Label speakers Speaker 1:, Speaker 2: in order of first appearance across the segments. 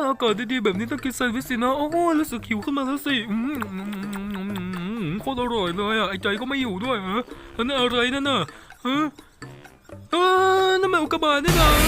Speaker 1: อากาศดีๆแบบนี้ต้องกินแซนด์วิชสินะโอ้รู้สึกหิวขึ้นมาแล้วสิโคตรอร่อยเลยอ่ะไอ้ใจก็ไม่อยู่ด้วยนั่นอะไรนั่นน่ะนั่นมันอุกกาบาตนี่นะ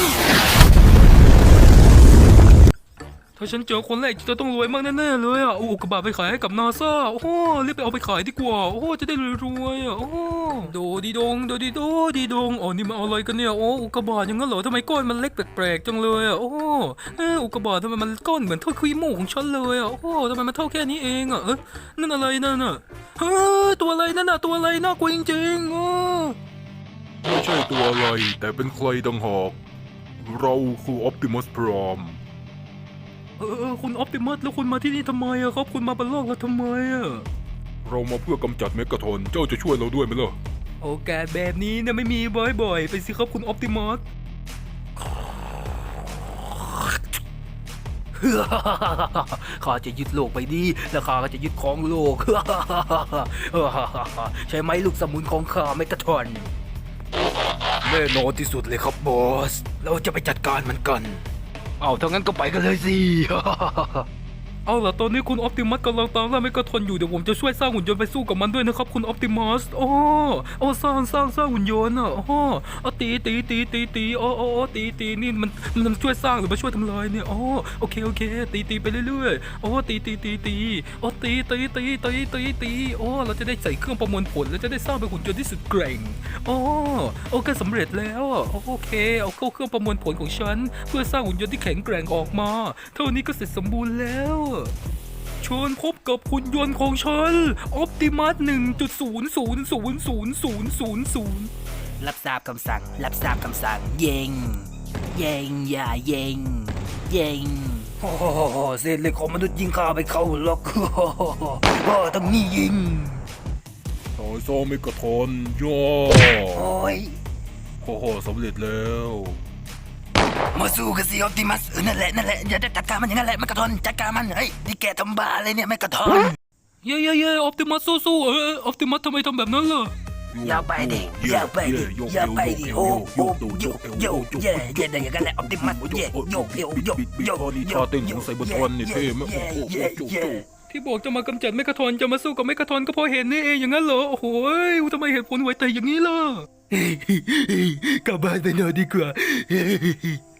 Speaker 1: ถ้าฉันเจอคนแรกจะต้องรวยมากแน่ๆเลยอ่ะอุกกาบาตไปขายให้กับนาซาโอ้รีบไปเอาไปขายดีกว่าโอ้จะได้รวยๆอ่ะโอ้โดดีดงโดดีโดดีดงอ๋อนี่มันอะไรกันเนี่ยโอ้อุกกาบาตอย่างนั้นเหรอทำไมก้อนมันเล็กแปลกๆจังเลยอ่ะโอ้อุกกาบาตทำไมมันก้อนเหมือนเท่าขี้มูกของฉันเลยอ่ะโอ้ทำไมมันเท่าแค่นี้เองอ่ะนั่นอะไรนั่นน่ะตัวอะไรนั่นน่ะตัวอะไรน่ากลัวจริงๆ
Speaker 2: ไม่ใช่ตัวอะไรแต่เป็นใครต่างหากเราคือออปติมัสพราม
Speaker 1: คุณออปติมัสแล้วคุณมาที่นี่ทำไมอะครับคุณมาบนโลกเราทำไมอะ
Speaker 2: เรามาเพื่อกำจัดเมกาทรอนเจ้าจะช่วยเราด้วยไหมล่ะ
Speaker 1: โอกาสแบบนี้เนี่ยไม่มีบ่อยๆไปสิครับคุณออปติมัสข้าจะยึดโลกไปดีแล้วข้าก็จะยึดของโลกใช่ไหมลูกสมุนของข้าเมกาทรอนแน่นอนที่สุดเลยครับบอสเราจะไปจัดการมันกันเอาถ้างั้นก็ไปกันเลยสิ เอาล่ะตอนนี้คุณออปติมัสกำลังตามล่าเมกาทรอนอยู่เดี๋ยวผมจะช่วยสร้างหุ่นยนต์ไปสู้กับมันด้วยนะครับคุณออปติมัสสร้างหุ่นยนต์ตีตีนี่มันช่วยสร้างหรือมาช่วยทำลายเนี่ยโอเคตีไปเรื่อยๆตีตีเราจะได้ใส่เครื่องประมวลผลแล้วจะได้สร้างเป็นหุ่นยนต์ที่สุดเก่งโอเคสำเร็จแล้วโอเคเอาเข้าเครื่องประมวลผลของฉันเพื่อสร้างหุ่นยนต์ที่แข็งแกร่งออกมาเท่านี้ก็เสร็จสมบูรณ์แล้วเชิญพบกับหุ่นยนต์ของฉัน Optimus 1.0000000
Speaker 3: รับทราบคำสั่งยิงอย่ายิงเศษเหล็กของมนุษย์ยิงข้าไปเข้าล็อกต้องนี่ยิง
Speaker 2: ต่อยซ้อมเมกาทรอนย่อ
Speaker 3: โอ้ย
Speaker 2: สำเร็จแล้ว
Speaker 3: มาสู้กันสิออปติมัสนั่นแหละอย่าได้จัดการมันอย่างนั้นแหละเมกาทรอนจัดการมันเฮ้ยนี่แกทำบ้าอะไรเนี่ยเมกาทรอน
Speaker 1: เย้ออปติมัสสู้ออปติมัสทำไมทำแบบนั้นล่ะ
Speaker 3: อย่าไปดิโอ้เย่ได้อย่างนั้นแหละออปติมัสโย
Speaker 2: ท่าเต้นของไซเบอร์ทรอนนี่เท่ไหม
Speaker 1: ที่บอกจะมากำจัดเมกาทรอนจะมาสู้กับเมกาทรอนก็เพราะเห็นนี่เองอย่างนั้นเหรอโอ้โหทำไมเหตุผลไวแต่อย่างนี้ล่ะกลับบ้านไปนอนดีกว่า